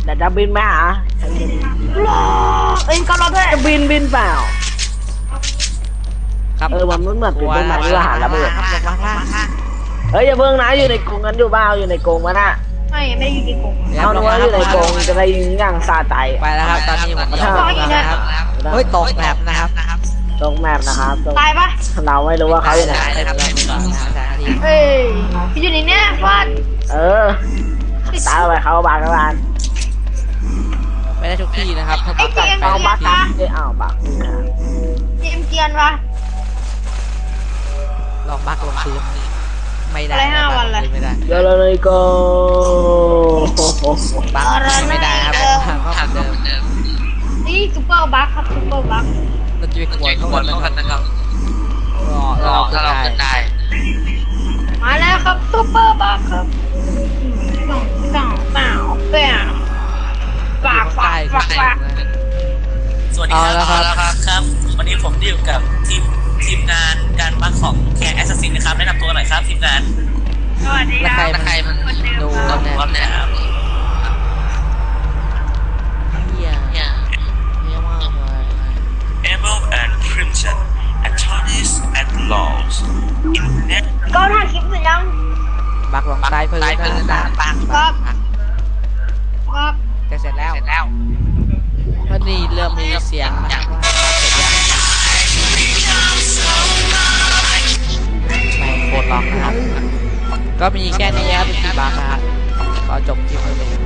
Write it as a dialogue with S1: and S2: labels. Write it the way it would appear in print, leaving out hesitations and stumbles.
S1: แต่จะบินไหมฮะ
S2: เอ้ยก็รอด้วย
S1: จะบินเปล่า
S3: ครับ
S1: มันเหมือนเป็นต้นไม้ที่ว่าหาระเบิด
S3: ครับลงมาข้างล่าง
S1: เฮ้ยอย่าเพิ่งนะอยู่ในกรงกันอยู่บ้าอยู่ในกรงมันอ่ะ
S2: ไม่อยู่ในกรง
S1: เอาหนูว่าอยู่ในกรงจะได้ยิงอย่างซาใจ
S3: ไปแล้วครับตอนนี้ผมก็ต้องนะครับเฮ้ยตกแบบนะครับ
S1: ตรงแมปนะครับตรง
S2: ตายปะ
S1: เราไม่รู้ว่าเขาอยู่ไหน
S3: นะครับที
S2: เอ้ยพี่อยู่ในเนี้ยฟาด
S1: ตายไปเขาบางกบาน
S3: ไม่ได้ทุกที่นะครับถ้า
S2: ไอ้
S3: บัก
S2: เจ
S3: กลับ
S2: ม
S3: ไป
S2: เกียนปะ
S1: เอาบักนี่นะ
S2: เจมเกียนปะ
S3: ลองบักลงพื้นไม่ได้
S2: อะไร5 วันเลย
S3: ไม่ได้
S1: เดี๋ยวเราเลยก็
S3: บักไม่ได้ครับก็เหมือนเดิม
S2: นี่ซุปเปอร์บัคครับซุปเปอร์บัค
S3: เราจะไปขวนเข้ากันนะครับรอถ้าเราได้
S2: มาแล้วครับซุปเปอร์บัคครับเปล่าฝาก
S4: สวัสดีครับวันนี้ผมอยู่กับทีมงานการบัคของแคร์แอสซัสซินนะครับแนะนำตัวหน่อยครับทีมงาน
S2: สวัสดี
S3: แล้ว
S2: ครับ
S3: ใครมันดู
S4: ครับเนี่ยครับ
S3: เฮียมากเลย
S4: Emerald and Crimson Attorneys at Laws in net
S2: ก็ถ่ายคลิปเสร็จยัง
S3: บักลงใต้พื้น
S2: ครับ
S3: จะเสร็จแล้วพอดีเริ่มมีเสียงนะครับว่าเสร็จยังไม่โคตรล็อกนะครับก็มีแค่นี้ครับเป็นบักนะครับก็จบคลิปเลย